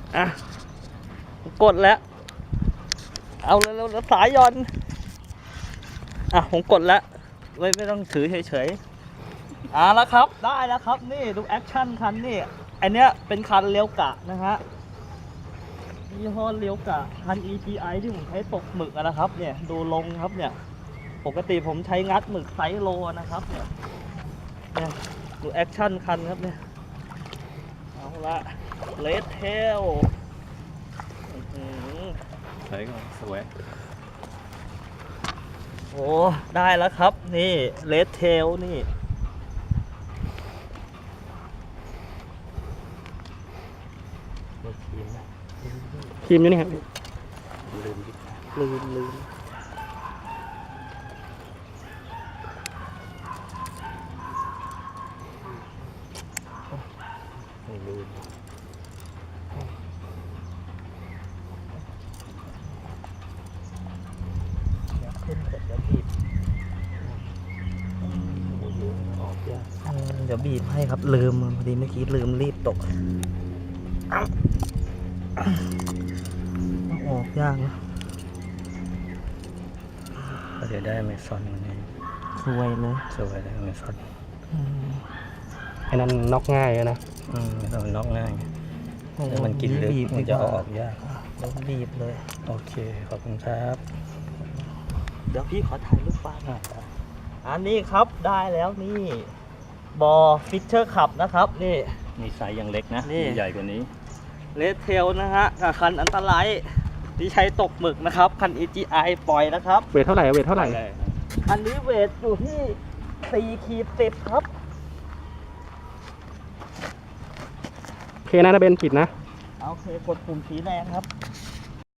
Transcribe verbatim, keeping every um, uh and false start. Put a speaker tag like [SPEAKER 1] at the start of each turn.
[SPEAKER 1] อ่ะกดแล้วเอาเร็วๆสายย่อนอ่ะผมกดแล้วไม่ไม่ต้องถือเฉยๆอ่ะแล้วครับได้แล้วครับนี่ดูแอคชั่นคันนี่อันเนี้ยเป็นคันเลี้ยวกะนะฮะยี่ห้อเลี้ยวกะคัน อี จี ไอ ที่ผมใช้ตกหมึกนะครับเนี่ยดูลงครับเนี่ยปกติผมใช้งัดหมึกไซส์โลนะครับเนี่ยเนี่ยดูแอคชั่นคันครับเนี่ยเอาละเลดเทล
[SPEAKER 2] ใช้ก็สวย
[SPEAKER 1] โอ้ได้แล้วครับนี่เลดเทลนี่
[SPEAKER 3] ครีมนี่ครับ
[SPEAKER 1] ลืมลืมลืมขึ้นเสร็จแล้วบีบเดี๋ยวบีบให้ครับลืมพอดีเมื่อกี้ลืมรีบตกออกยากนะ
[SPEAKER 2] ก็จะได้เมซอนนี้
[SPEAKER 1] สวยเลย
[SPEAKER 2] สวยเลยเมซอน
[SPEAKER 3] ไอ้นั่นน็อกง่ายนะ
[SPEAKER 2] อืมไม่ต้องน็อกง่ายแต่มันกินลึกมันจะเอาออกยาก
[SPEAKER 1] โดนบีบเลย
[SPEAKER 2] โอเคขอบคุณครับ
[SPEAKER 1] เดี๋ยวพี่ขอถ่ายรูปป้าหน่อยอันนี้ครับได้แล้วนี่บอฟิชเชอร์ขับนะครับนี่
[SPEAKER 2] มีไซส์ยังเล็กนะนี่ใหญ่กว่านี้
[SPEAKER 1] เลดเทลนะฮะกับคันอันตรายที่ใช้ตกหมึกนะครับคัน อี จี ไอ ปล่อยนะครับ
[SPEAKER 3] เวทเท่าไหร่เวทเท่าไหร่
[SPEAKER 1] อันนี้เวทอยู่ที่สี่ขีดสิบครับ
[SPEAKER 3] โอเคนะนะเบนปิดนะ
[SPEAKER 1] โอเคกดปุ่มสีแดงครับ